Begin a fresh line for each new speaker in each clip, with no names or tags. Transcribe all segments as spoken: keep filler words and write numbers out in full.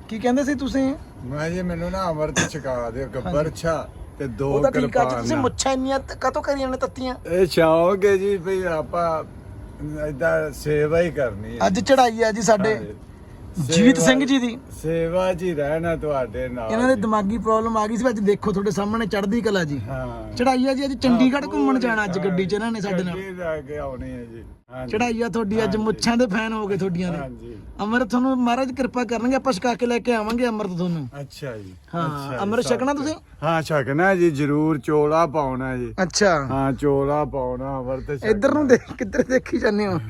ਕੀ ਕਹਿੰਦੇ ਸੀ ਤੁਸੀਂ?
ਮੈਂ ਜੀ ਮੈਨੂੰ ਨਾ ਅਮਰਤ ਛਕਾ ਦਿਓ ਗੱਬਰ ਛਾ ਤੇ ਦੋ
ਉਹਦਾ ਠੀਕ ਆ ਜੀ,
ਕਿਰਪਾਨ
ਤੁਸੀਂ ਮੁੱਛਾਂ ਇੰਨੀਆਂ ਕਾਤੋਂ ਕਰੀਆਂ ਨੇ ਤੱਤੀਆਂ?
ਇਹ ਸ਼ੌਕ ਹੈ ਜੀ ਵੀ ਆਪਾਂ ਏਦਾਂ ਸੇਵਾ ਹੀ ਕਰਨੀ ਹੈ।
ਅੱਜ ਚੜਾਈ ਆ ਜੀ ਸਾਡੇ ਜੀਤ ਸਿੰਘ ਜੀ ਦੀ।
ਸੇਵਾ ਜੀ ਰਹਿਣਾ ਤੁਹਾਡੇ ਨਾਲ।
ਇਹਨਾਂ ਦੇ ਦਿਮਾਗੀ ਪ੍ਰੋਬਲਮ ਆ ਗਈ ਸੀ, ਅੱਜ ਦੇਖੋ ਤੁਹਾਡੇ ਸਾਹਮਣੇ ਚੜ੍ਹਦੀ ਕਲਾ ਜੀ।
ਹਾਂ
ਚੜਾਈ ਆ ਜੀ, ਅੱਜ ਚੰਡੀਗੜ੍ਹ ਘੁੰਮਣ ਜਾਣਾ ਅੱਜ ਗੱਡੀ 'ਚ ਇਹਨਾਂ ਨੇ ਸਾਡੇ ਨਾਲ।
ਗੱਡੀ ਲੈ ਕੇ ਆਉਣੀ ਹੈ ਜੀ। ਹਾਂਜੀ
ਚੜਾਈ ਆ ਤੁਹਾਡੀ, ਅੱਜ ਮੁੱਛਾਂ ਦੇ ਫੈਨ ਹੋ ਗਏ ਤੁਹਾਡੀਆਂ ਦੇ।
ਹਾਂਜੀ
ਅੰਮ੍ਰਿਤ ਤੁਹਾਨੂੰ ਮਹਾਰਾਜ ਕਿਰਪਾ ਕਰਨਗੇ, ਆਪਾਂ ਛਕਾ ਕੇ ਲੈ ਕੇ ਆਵਾਂਗੇ ਅੰਮ੍ਰਿਤ ਤੁਹਾਨੂੰ।
ਅੱਛਾ ਜੀ।
ਹਾਂ,
ਅੱਛਾ ਜੀ,
ਅੰਮ੍ਰਿਤ ਛਕਣਾ ਤੁਸੀਂ?
ਹਾਂ ਛਕਣਾ ਜੀ ਜ਼ਰੂਰ। ਚੋਲਾ ਪਾਉਣਾ ਜੀ।
ਅੱਛਾ
ਹਾਂ ਚੋਲਾ ਪਾਉਣਾ ਅਮਰਤ ਛਕਣਾ।
ਇੱਧਰ ਨੂੰ ਦੇਖ, ਕਿੱਧਰ ਦੇਖੀ ਜਾਂਦੇ ਹੋ?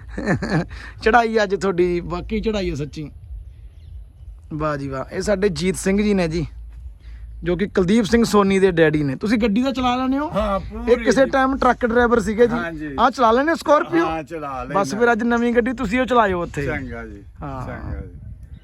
ਚੜਾਈ ਅੱਜ ਤੁਹਾਡੀ, ਬਾਕੀ ਚੜਾਈ ਹੈ ਸੱਚੀ। ਵਾਹ ਜੀ ਵਾਹ। ਇਹ ਸਾਡੇ ਜੀਤ ਸਿੰਘ ਜੀ ਨੇ ਜੀ, ਜੋ ਕਿ ਕੁਲਦੀਪ ਸਿੰਘ ਸੋਨੀ ਦੇ ਡੈਡੀ ਨੇ। ਤੁਸੀਂ ਗੱਡੀ ਦਾ ਚਲਾ ਲੈਂਦੇ ਹੋ?
ਹਾਂ
ਇਹ ਕਿਸੇ ਟਾਈਮ ਟਰੱਕ ਡਰਾਈਵਰ ਸੀਗੇ ਜੀ।
ਹਾਂਜੀ।
ਆਹ ਚਲਾ ਲੈਂਦੇ ਸਕਾਰਪੀਓ?
ਹਾਂ ਚਲਾ ਲੈ।
ਬਸ ਫਿਰ ਅੱਜ ਨਵੀਂ ਗੱਡੀ ਤੁਸੀਂ ਉਹ ਚਲਾਇਓ ਉੱਥੇ।
ਚੰਗਾ ਜੀ।
ਹਾਂ।
ਚੰਗਾ ਜੀ।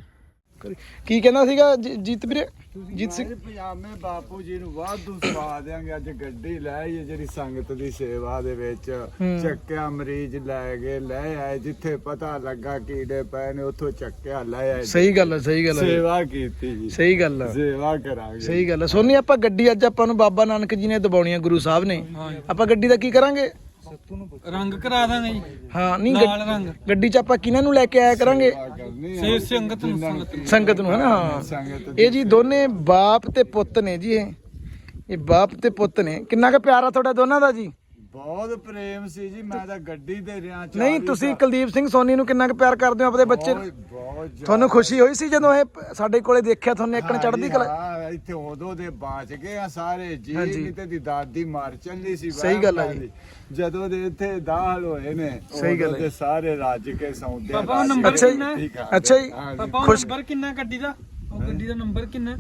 ਕੀ ਕਹਿੰਦਾ ਸੀਗਾ ਜੀ- ਜੀਤ ਵੀਰੇ? ਜੀਤ ਸਿੰਘ
ਮੈਂ ਜੀ ਪਜਾਮੇ ਬਾਪੂ ਜੀ ਨੂੰ ਵਾਧੂ ਸਵਾ ਦਿਆਂਗੇ। ਅੱਜ ਗੱਡੀ ਲੈ ਆਈ ਜਿਹੜੀ ਸੰਗਤ ਦੀ ਸੇਵਾ ਦੇ ਵਿੱਚ ਚੱਕਿਆ, ਮਰੀਜ਼ ਲੈ ਗਏ, ਲੈ ਆਏ ਜਿੱਥੇ ਪਤਾ ਲੱਗਾ ਕੀੜੇ ਪਏ ਨੇ ਉੱਥੋਂ ਚੱਕਿਆ ਲੈ ਆਏ।
ਸਹੀ ਗੱਲ ਹੈ, ਸਹੀ ਗੱਲ ਹੈ,
ਸੇਵਾ ਕੀਤੀ ਜੀ।
ਸਹੀ ਗੱਲ ਹੈ,
ਸੇਵਾ ਕਰਾਂਗੇ।
ਸਹੀ ਗੱਲ ਹੈ। ਸੋਨੀ ਆਪਾਂ ਗੱਡੀ ਅੱਜ ਆਪਾਂ ਨੂੰ ਬਾਬਾ ਨਾਨਕ ਜੀ ਨੇ ਦਬਾਉਣੀ ਹੈ, ਗੁਰੂ ਸਾਹਿਬ ਨੇ। ਆਪਾਂ ਗੱਡੀ ਦਾ ਕੀ ਕਰਾਂਗੇ?
ਰੰਗ ਕਰਾ ਦਾਂਗੇ ਜੀ।
ਹਾਂ ਨਹੀਂ
ਲਾਲ ਰੰਗ।
ਗੱਡੀ 'ਚ ਆਪਾਂ ਕਿਹਨਾਂ ਨੂੰ ਲੈ ਕੇ ਆਇਆ ਕਰਾਂਗੇ?
ਸੇ ਸੰਗਤ ਨੂੰ ਸੰਗਤ ਨੂੰ।
ਸੰਗਤ ਨੂੰ, ਹੈ ਨਾ? ਹਾਂ।
ਸੰਗਤ
ਇਹ ਜੀ ਦੋਨੇ ਬਾਪ ਤੇ ਪੁੱਤ ਨੇ ਜੀ। ਇਹ ਇਹ ਬਾਪ ਤੇ ਪੁੱਤ ਨੇ। ਕਿੰਨਾ ਕੁ ਪਿਆਰਾ ਤੁਹਾਡਾ ਦੋਨਾਂ ਦਾ ਜੀ?
ਬਹੁਤ ਪ੍ਰੇਮ ਸੀ ਜੀ। ਮੈਂ ਤਾਂ ਗੱਡੀ ਤੇ ਰਿਆਂ ਚਾਹ
ਨਹੀਂ, ਤੁਸੀਂ ਕੁਲਦੀਪ ਸਿੰਘ ਸੋਨੀ ਨੂੰ ਕਿੰਨਾ ਕੁ ਪਿਆਰ ਕਰਦੇ ਹੋ ਆਪਣੇ ਬੱਚੇ ਨੂੰ?
ਬਹੁਤ ਜ਼ਿਆਦਾ।
ਤੁਹਾਨੂੰ ਖੁਸ਼ੀ ਹੋਈ ਸੀ ਜਦੋਂ ਇਹ ਸਾਡੇ ਕੋਲੇ ਦੇਖਿਆ ਤੁਹਾਨੂੰ ਇੱਕਣ ਚੜ੍ਹਦੀ ਕਲਾ?
ਹਾਂ ਇੱਥੇ ਉਦੋਂ ਦੇ ਬਾਚ ਗਏ ਆ ਸਾਰੇ ਜੀ।
ਹਾਂਜੀ।
ਕਿਤੇ ਦੀ ਦਾਦੀ ਮਰ ਚੱਲੀ ਸੀ।
ਸਹੀ ਗੱਲ ਹੈ ਜੀ।
ਜਦੋਂ ਦੇ ਇੱਥੇ ਦਾਖਲ ਹੋਏ ਨੇ
ਸਹੀ ਗੱਲ
ਉਦੋਂ
ਹੈ।
ਦੇ ਸਾਰੇ ਰੱਜ ਕੇ ਸੌਂਦੇ ਆ।
ਪਾਪਾ, ਨੰਬਰ
ਅੱਛਾ ਜੀ।
ਕਿੰਨਾ?
ਅੱਛਾ ਜੀ।
ਹਾਂ ਜੀ।
ਪਾਪਾ ਉਹ
ਖੁਸ਼-
ਨੰਬਰ ਕਿੰਨਾ ਗੱਡੀ ਦਾ? ਉਹ ਗੱਡੀ ਦਾ ਨੰਬਰ ਕਿੰਨਾ?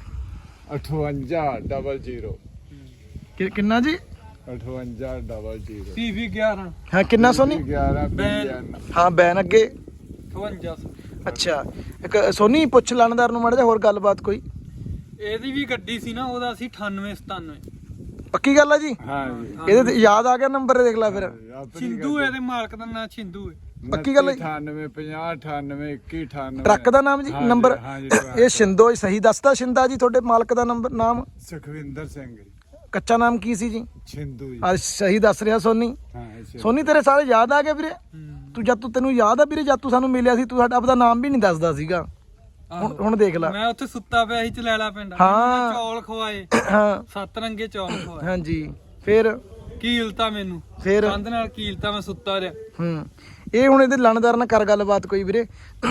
ਅਠਵੰਜਾ ਡਬਲ ਜ਼ੀਰੋ।
ਕਿ- ਕਿੰਨਾ ਜੀ?
ਅਠਵੰਜਾ ਡਬਲ ਜ਼ੀਰੋ।
ਪੀ ਵੀ ਗਿਆਰਾਂ
ਹਾਂ ਕਿੰਨਾ ਸੋਨੀ?
ਗਿਆਰਾਂ
ਬੈਨ।
ਹਾਂ ਬੈਨ ਅੱਗੇ।
ਅਠਵੰਜਾ ਸੌ।
ਅੱਛਾ ਇੱਕ ਸੋਨੀ ਪੁੱਛ ਲਾਣੇਦਾਰ ਨੂੰ ਮਾੜਾ ਜਿਹਾ ਹੋਰ ਗੱਲਬਾਤ ਕੋਈ।
ਇਹਦੀ ਵੀ ਗੱਡੀ ਸੀ ਨਾ, ਉਹਦਾ ਸੀ ਅਠਾਨਵੇਂ ਸਤਾਨਵੇਂ।
ਪੱਕੀ ਗੱਲ ਆ ਜੀ?
ਹਾਂ ਜੀ।
ਇਹਦੇ ਤੇ ਯਾਦ ਆ ਗਿਆ ਨੰਬਰ, ਦੇਖ ਲੈ ਫਿਰ।
ਆਪਣੀ
ਛਿੰਦੂ ਇਹਦੇ ਮਾਲਕ ਦਾ ਨਾਂ ਛਿੰਦੂ ਹੈ।
ਪੱਕੀ ਗੱਲ ਹੈ ਜੀ?
ਅਠਾਨਵੇਂ ਪੰਜਾਹ ਅਠਾਨਵੇਂ ਇੱਕੀ ਅਠਾਨਵੇਂ।
ਟਰੱਕ ਦਾ ਨਾਮ ਜੀ?
ਹਾਂਜੀ,
ਨੰਬਰ
ਹਾਂਜੀ,
ਇਹ ਸ਼ਿੰਦੋ ਸਹੀ ਦੱਸਦਾ? ਸ਼ਿੰਦਾ ਜੀ ਤੁਹਾਡੇ ਮਾਲਕ ਦਾ ਨੰਬਰ ਨਾਮ?
ਸੁਖਵਿੰਦਰ ਸਿੰਘ ਜੀ।
ਕੱਚਾ ਨਾਮ ਕੀ ਸੀ ਜੀ?
ਛਿੰਦੂ ਜੀ।
ਆ ਸਹੀ ਦੱਸ ਰਿਹਾ ਸੋਨੀ।
ਹਾਂ ਅੱਛਾ।
ਸੋਨੀ ਤੇਰੇ ਸਾਰੇ ਯਾਦ ਆ ਗਏ ਵੀਰੇ? ਤੂੰ ਜਦ ਤੂੰ ਤੈਨੂੰ ਯਾਦ ਆ ਵੀਰੇ, ਜਦ ਤੂੰ ਸਾਨੂੰ ਮਿਲਿਆ ਸੀ ਤੂੰ ਸਾਡਾ ਆਪਦਾ ਨਾਮ ਵੀ ਨਹੀਂ ਦੱਸਦਾ ਸੀਗਾ। ਹੁਣ ਹੁਣ ਦੇਖ ਲੈ।
ਮੈਂ ਉੱਥੇ ਸੁੱਤਾ ਪਿਆ ਸੀ ਚਲੈਲਾ ਪਿੰਡ।
ਹਾਂ।
ਚੌਲ ਖਵਾਏ,
ਹਾਂ
ਸੱਤ ਰੰਗੇ ਚੌਲ ਖਵਾਏ।
ਹਾਂਜੀ ਫਿਰ
ਕੀਲਤਾ ਮੈਨੂੰ,
ਫਿਰ
ਕੰਧ ਨਾਲ ਕੀਲਤਾ, ਮੈਂ ਸੁੱਤਾ ਰਿਹਾ।
ਹੂੰ ਇਹ ਹੁਣ ਇਹਦੇ ਲਾਣੇਦਾਰ ਨਾਲ ਕਰ ਗੱਲਬਾਤ ਕੋਈ ਵੀਰੇ।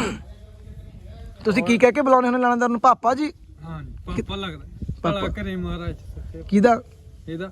ਤੁਸੀਂ ਕੀ ਕਹਿ ਕੇ ਬੁਲਾਉਣੇ ਹੁੰਦੇ ਲਾਣੇਦਾਰ ਨੂੰ? ਪਾਪਾ ਜੀ?
ਹਾਂ ਪਾਪਾ ਲੱਗਦਾ।
ਪਾਪਾ।
ਭਲਾ ਕਰੇ ਮਹਾਰਾਜ
ਕਿਹਦਾ?
ਇਹਦਾ।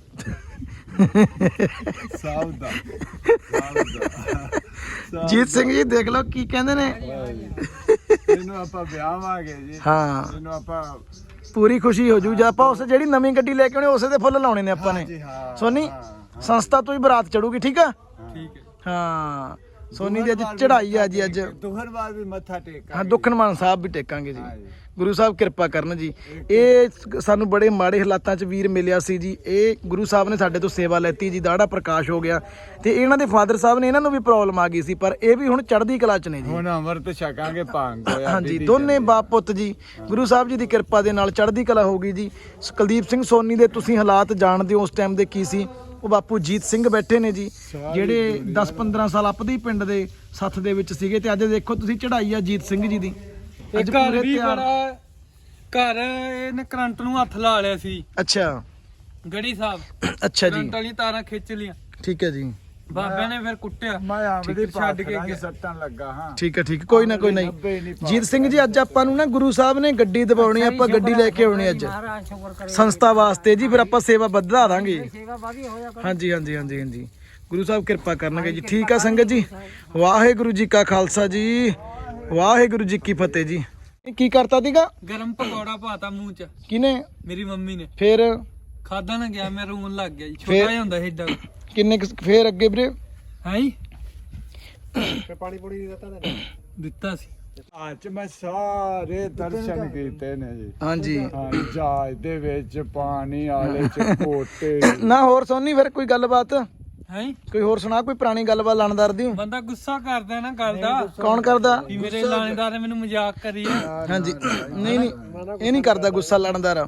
ਸਾਹਿਬ ਦਾ ਸਾਹਿਬ ਦਾ।
ਜੀਤ ਸਿੰਘ ਜੀ ਦੇਖ ਲਓ ਕੀ ਕਹਿੰਦੇ ਨੇ।
ਇਹਨੂੰ ਆਪਾਂ ਵਿਆਹਾਂਗੇ ਜੀ।
ਹਾਂ
ਇਹਨੂੰ ਆਪਾਂ
ਪੂਰੀ ਖੁਸ਼ੀ ਹੋ ਜੂ ਜੇ ਆਪਾਂ ਉਸ ਜਿਹੜੀ ਨਵੀਂ ਗੱਡੀ ਲੈ ਕੇ ਆਉਣੀ ਉਸੇ ਦੇ ਫੁੱਲ ਲਾਉਣੇ ਨੇ ਆਪਾਂ ਨੇ।
ਜੀ ਹਾਂ।
ਸੋਨੀ ਸੰਸਥਾ ਤੋਂ ਹੀ ਬਰਾਤ ਚੜੂਗੀ, ਠੀਕ ਆ?
ਠੀਕ ਹੈ।
ਹਾਂ ਸੋਨੀ ਦੀ ਅੱਜ ਚੜਾਈ ਆ ਜੀ। ਅੱਜ
ਦੁਹਰ ਬਾਅਦ ਵੀ ਮੱਥਾ ਟੇਕਾਂ।
ਹਾਂ ਦੁੱਖਨਮਾਨ ਸਾਹਿਬ ਵੀ ਟੇਕਾਂਗੇ ਜੀ।
ਹਾਂ ਜੀ।
ਗੁਰੂ ਸਾਹਿਬ ਕਿਰਪਾ ਕਰਨ ਜੀ। ਇਹ ਸਾਨੂੰ ਬੜੇ ਮਾੜੇ ਹਾਲਾਤਾਂ 'ਚ ਵੀਰ ਮਿਲਿਆ ਸੀ ਜੀ। ਇਹ ਗੁਰੂ ਸਾਹਿਬ ਨੇ ਸਾਡੇ ਤੋਂ ਸੇਵਾ ਲੈਤੀ ਜੀ। ਦਾੜਾ ਪ੍ਰਕਾਸ਼ ਹੋ ਗਿਆ ਤੇ ਇਹਨਾਂ ਦੇ ਫਾਦਰ ਸਾਹਿਬ ਨੇ, ਇਹਨਾਂ ਨੂੰ ਵੀ ਪ੍ਰੋਬਲਮ ਆ ਗਈ ਸੀ, ਪਰ ਇਹ ਵੀ ਹੁਣ ਚੜ੍ਹਦੀ ਕਲਾ 'ਚ ਨੇ ਜੀ।
ਹੁਣ ਅਮਰਤ ਛਕਾਂਗੇ ਭੰਗ ਹੋਇਆ।
ਹਾਂਜੀ ਦੋਨੇ ਬਾਪ ਪੁੱਤ ਜੀ ਗੁਰੂ ਸਾਹਿਬ ਜੀ ਦੀ ਕਿਰਪਾ ਦੇ ਨਾਲ ਚੜ੍ਹਦੀ ਕਲਾ ਹੋ ਗਈ ਜੀ। ਕੁਲਦੀਪ ਸਿੰਘ ਸੋਨੀ ਦੇ ਤੁਸੀਂ ਹਾਲਾਤ ਜਾਣਦੇ ਹੋ ਉਸ ਟਾਈਮ ਦੇ ਕੀ ਸੀ। ਉਹ ਬਾਪੂ ਜੀਤ ਸਿੰਘ ਬੈਠੇ ਨੇ ਜੀ, ਜਿਹੜੇ ਦਸ ਪੰਦਰਾਂ ਸਾਲ ਆਪਦੇ ਪਿੰਡ ਦੇ ਸੱਥ ਦੇ ਵਿੱਚ ਸੀਗੇ, ਤੇ ਅੱਜ ਦੇਖੋ ਤੁਸੀਂ ਚੜਾਈ ਆ ਜੀਤ ਸਿੰਘ ਜੀ ਦੀ।
ਇਹ ਘਰ ਵੀ ਬੜਾ, ਘਰ ਇਹਨੇ ਕਰੰਟ ਨੂੰ ਹੱਥ ਲਾ ਲਿਆ ਸੀ।
ਅੱਛਾ
ਗੜੀ ਸਾਹਿਬ
ਅੱਛਾ ਜੀ,
ਕਰੰਟ ਵਾਲੀ ਤਾਰਾਂ ਖਿੱਚ ਲੀਆਂ।
ਠੀਕ ਹੈ ਜੀ।
ਬਾਬੇ ਨੇ ਫਿਰ ਕੁੱਟਿਆ।
ਮੈਂ ਆਮਦੀ
ਛੱਡ ਕੇ ਗਿਆ।
ਸੱਟਾਂ ਲੱਗਾ ਹਾਂ।
ਠੀਕ ਹੈ ਠੀਕ ਹੈ, ਕੋਈ ਨਾ ਕੋਈ ਨਹੀਂ। ਜੀਤ ਸਿੰਘ ਜੀ ਅੱਜ ਆਪਾਂ ਨੂੰ ਨਾ ਗੁਰੂ ਸਾਹਿਬ ਨੇ ਗੱਡੀ ਦਿਵਾਉਣੀ, ਆਪਾਂ ਗੱਡੀ ਲੈ ਕੇ ਆਉਣੀ ਅੱਜ ਸੰਸਥਾ ਵਾਸਤੇ ਜੀ। ਫਿਰ ਆਪਾਂ ਸੇਵਾ ਵਧਾ ਦਾਂਗੇ। ਹਾਂਜੀ ਹਾਂਜੀ ਹਾਂਜੀ ਹਾਂਜੀ ਗੁਰੂ ਸਾਹਿਬ ਕਿਰਪਾ ਕਰਨਗੇ ਜੀ। ਠੀਕ ਆ ਸੰਗਤ ਜੀ, ਵਾਹਿਗੁਰੂ ਜੀ ਕਾ ਖਾਲਸਾ ਜੀ, ਵਾਹਿਗੁਰੂ ਜੀ ਕੀ ਫਤਿਹ ਜੀ। ਕੀ ਕਰਤਾ ਸੀਗਾ?
ਗਰਮ ਪਕੌੜਾ ਪਾਤਾ ਮੂੰਹ ਚ
ਕਿਨੇ?
ਮੇਰੀ ਮੰਮੀ ਨੇ।
ਫਿਰ
ਖਾਦਾ ਨਾ ਗਿਆ, ਮੈਂ ਰੋਣ ਲੱਗ ਗਿਆ ਜੀ।
ਫਿਰ-
ਛੋਟਾ ਜਿਹਾ ਹੁੰਦਾ ਸੀ ਏਡਾ।
ਕਿੰਨੇ ਕੁ- ਫਿਰ ਅੱਗੇ ਵੀਰੇ
ਹੈ ਜੀ
ਪਾਣੀ ਪੂਣੀ ਦਿੱਤਾ
ਦਿੱਤਾ ਸੀ।
ਅੱਜ ਮੈਂ ਸਾਰੇ ਦਰਸ਼ਨ ਕੀਤੇ ਨੇ ਜੀ।
ਹਾਂਜੀ
ਹਾਂ ਜਹਾਜ਼ ਦੇ ਵਿੱਚ ਪਾਣੀ ਆਲੇ ਚ ਕੋਟੇ।
ਨਾ ਹੋਰ ਸੋਨੀ ਫਿਰ ਕੋਈ ਗੱਲਬਾਤ?
ਹੈ
ਕੋਈ ਹੋਰ ਸੁਣਾ ਕੋਈ ਪੁਰਾਣੀ ਗੱਲਬਾਤ ਲਾਣੇਦਾਰ ਦੀ।
ਬੰਦਾ ਗੁੱਸਾ ਕਰਦਾ ਨਾ ਗੱਲ ਦਾ
ਕੌਣ ਕਰਦਾ?
ਵੀ ਮੇਰੇ ਲਾਣੇਦਾਰ ਨੇ ਮੈਨੂੰ ਮਜ਼ਾਕ ਕਰੀ ਆ।
ਹਾਂਜੀ ਨਹੀਂ ਨਹੀਂ ਇਹ ਨਹੀਂ ਕਰਦਾ ਗੁੱਸਾ ਲਾਣੇਦਾਰ।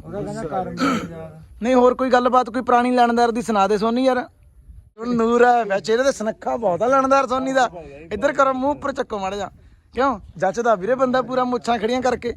ਨਹੀਂ ਹੋਰ ਕੋਈ ਗੱਲਬਾਤ ਕੋਈ ਪੁਰਾਣੀ ਲਾਣੇਦਾਰ ਦੀ ਸੁਣਾ ਦੇ ਸੋਨੀ ਯਾਰ। ਨੂਰ ਹੈ ਵੈਸੇ ਇਹਦੇ ਤੇ ਸੁਨੱਖਾ ਬਹੁਤ ਆ ਲਾਣੇਦਾਰ ਸੋਨੀ ਦਾ। ਇੱਧਰ ਕਰੋ ਮੂੰਹ ਉੱਪਰ ਚੱਕੋ ਮਾੜਾ ਜਾ। ਕਿਉਂ ਜੱਚਦਾ ਵੀਰੇ ਬੰਦਾ ਪੂਰਾ ਮੁੱਛਾਂ ਖੜੀਆਂ ਕਰਕੇ।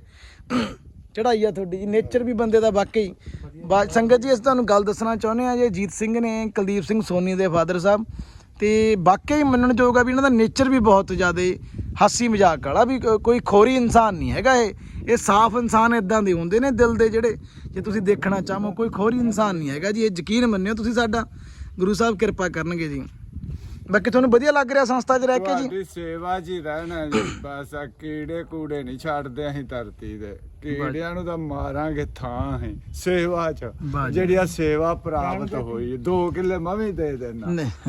ਚੜਾਈ ਆ ਤੁਹਾਡੀ ਜੀ ਨੇਚਰ ਵੀ ਬੰਦੇ ਦਾ ਵਾਕਈ। ਬਾ ਸੰਗਤ ਜੀ ਅਸੀਂ ਤੁਹਾਨੂੰ ਗੱਲ ਦੱਸਣਾ ਚਾਹੁੰਦੇ ਹਾਂ ਜੀ ਜੀਤ ਸਿੰਘ ਨੇ ਕੁਲਦੀਪ ਸਿੰਘ ਸੋਨੀ ਦੇ ਫਾਦਰ ਸਾਹਿਬ ਤੇ ਵਾਕਈ ਮੰਨਣਯੋਗ ਆ ਵੀ ਇਹਨਾਂ ਦਾ ਨੇਚਰ ਵੀ ਬਹੁਤ ਜ਼ਿਆਦਾ ਹਾਸੀ ਮਜ਼ਾਕ ਵਾਲਾ ਵੀ ਕੋਈ ਖੋਰੀ ਇਨਸਾਨ ਨਹੀਂ ਹੈਗਾ ਇਹ ਇਹ ਸਾਫ਼ ਇਨਸਾਨ ਇਦਾਂ ਦੇ ਹੁੰਦੇ ਨੇ ਦਿਲ ਦੇ ਜਿਹੜੇ ਜੇ ਤੁਸੀਂ ਦੇਖਣਾ ਚਾਹੋ ਕੋਈ ਖੋਰੀ ਇਨਸਾਨ ਨਹੀਂ ਹੈਗਾ ਜੀ। ਇਹ ਯਕੀਨ ਮੰਨਿਓ ਤੁਸੀਂ ਸਾਡਾ ਗੁਰੂ ਸਾਹਿਬ ਕਿਰਪਾ ਕਰਨਗੇ ਜੀ। ਬਾਕੀ ਤੁਹਾਨੂੰ ਵਧੀਆ ਲੱਗ ਰਿਹਾ ਸੰਸਥਾ 'ਚ ਰਹਿ ਕੇ ਜੀ?
ਤੁਹਾਡੀ ਸੇਵਾ 'ਚ ਹੀ ਰਹਿਣਾ ਜੀ ਬਸ। ਆ ਕੀੜੇ ਕੂੜੇ ਨਹੀਂ ਛੱਡਦੇ ਅਸੀਂ ਧਰਤੀ ਦੇ। ਕੀੜਿਆਂ ਨੂੰ ਤਾਂ ਮਾਰਾਂਗੇ ਥਾਂ ਹੈ ਸੇਵਾ 'ਚ ਜਿਹੜੀ ਆ ਸੇਵਾ ਪ੍ਰਾਪਤ ਹੋਈ। ਦੋ ਕਿੱਲੇ ਮੈਂ ਵੀ ਦੇ ਦੇਣਾ।